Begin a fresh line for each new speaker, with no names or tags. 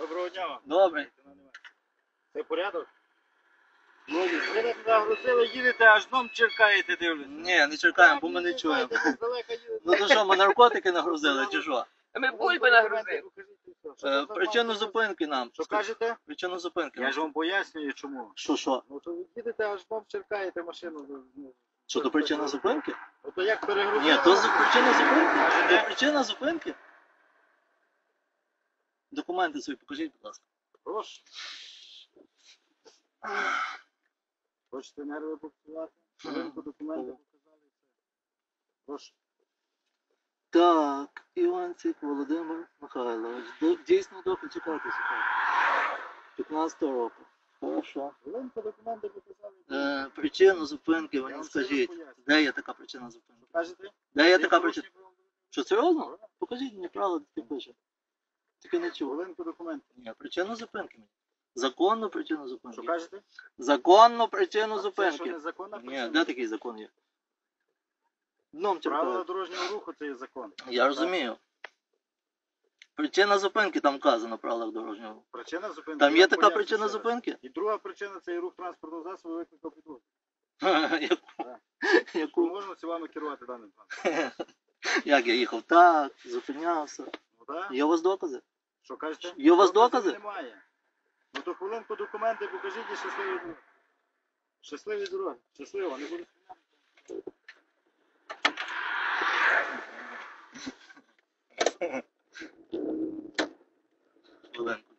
Доброго дня вам.
Добре.
Це порядок? Ви не загрузили, їдете, аж дном черкаєте, дивлюся.
Ні, не чекаємо, бо ми не чуємо.
Здалека їдете.
Ну то що, ми наркотики нагрузили чи що?
Ми бульби нагрузили.
Причину зупинки нам.
Що кажете?
Причину зупинки.
Я ж вам пояснюю, чому.
Що?
Ну то ви їдете, аж дном черкаєте машину.
Що, то причина зупинки?
Ну то як перегрузили?
Ні, то причина зупинки. То причина зупинки. Документи свої покажіть, будь ласка.
Прошу. Хочете нерви попсувати? Хвилинку документи показали. Прошу.
Так, Іванцик Володимир Михайлович. Дійсно дохід, чекайте. 15-го року. Хорошо.
Хвилинку документи показали.
Причину зупинки
Я
мені
вам
скажіть.
все поясню.
Де є така причина зупинки?
Кажете?
Де є
Є
така причина?
порушення правил?
Що, серйозно? Покажіть мені правила, таке пише. Таке не чув.
Хвилинку документів.
Ні, причину зупинки мені. Законну причину
Що
зупинки.
кажете?
Законну причину
Це що,
зупинки.
незаконна
Ні,
причина?
де такий закон є? Дном
Правила
черкаю.
дорожнього руху це є закон.
Я розумію. Причина зупинки там вказано в правилах дорожнього руху.
Причина зупинки.
Там
я
є
вам
така
поясню
причина
ще раз.
зупинки?
І друга причина це і рух транспортного засобу викликав підвозу.
Яку?
Так.
Яку?
Можна це вами керувати даним транспортом.
Як я їхав? Так, зупинявся.
Ну так?
Є у вас докази?
Що кажете?
Є у вас
Доказів
докази?
Немає. Ну то хвилинку документи покажіть і щасливі дороги. Щасливі дороги. Щасливо, не буду
Хвилинку.